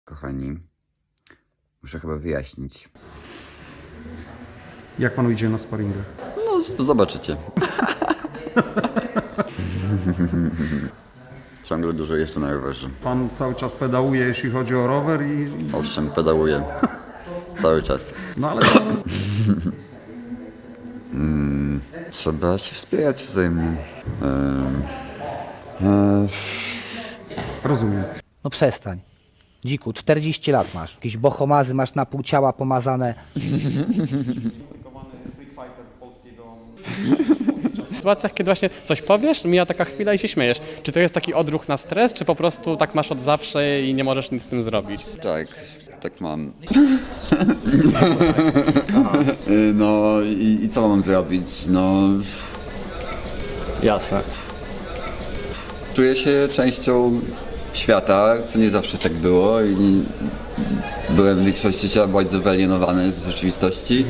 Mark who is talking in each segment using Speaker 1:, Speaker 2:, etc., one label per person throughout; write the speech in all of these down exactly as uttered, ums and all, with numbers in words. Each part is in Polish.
Speaker 1: Kochani, muszę chyba wyjaśnić.
Speaker 2: Jak panu idzie na sparingach?
Speaker 1: No, z- zobaczycie. Ciągle dużo jeszcze na rowerze.
Speaker 2: Pan cały czas pedałuje, jeśli chodzi o rower i...
Speaker 1: Owszem, pedałuję. Cały czas.
Speaker 2: No ale to...
Speaker 1: Trzeba się wspierać wzajemnie. Ehm, e,
Speaker 2: Rozumiem.
Speaker 3: No przestań. Dziku, czterdzieści lat masz. Jakieś bohomazy masz na pół ciała pomazane.
Speaker 4: W sytuacjach, kiedy właśnie coś powiesz, mija taka chwila i się śmiejesz. Czy to jest taki odruch na stres, czy po prostu tak masz od zawsze i nie możesz nic z tym zrobić?
Speaker 1: tak, tak mam. No i, i co mam zrobić? No,
Speaker 4: Jasne.
Speaker 1: czuję się częścią świata, co nie zawsze tak było i byłem w większości życia bardzo wyalienowany z rzeczywistości.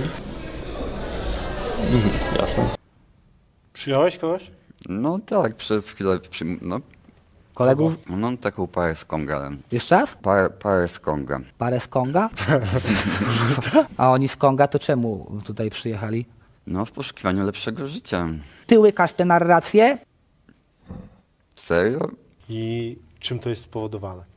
Speaker 4: Jasne.
Speaker 5: Przyjąłeś kogoś?
Speaker 1: No tak, przez chwilę przyjm- no,
Speaker 3: Kolegów?
Speaker 1: no taką parę z Konga.
Speaker 3: Jeszcze raz?
Speaker 1: Parę, parę z Konga.
Speaker 3: Parę z Konga? A oni z Konga to czemu tutaj przyjechali?
Speaker 1: No w poszukiwaniu lepszego życia.
Speaker 3: Ty łykasz tę narrację?
Speaker 1: Serio?
Speaker 5: I czym to jest spowodowane?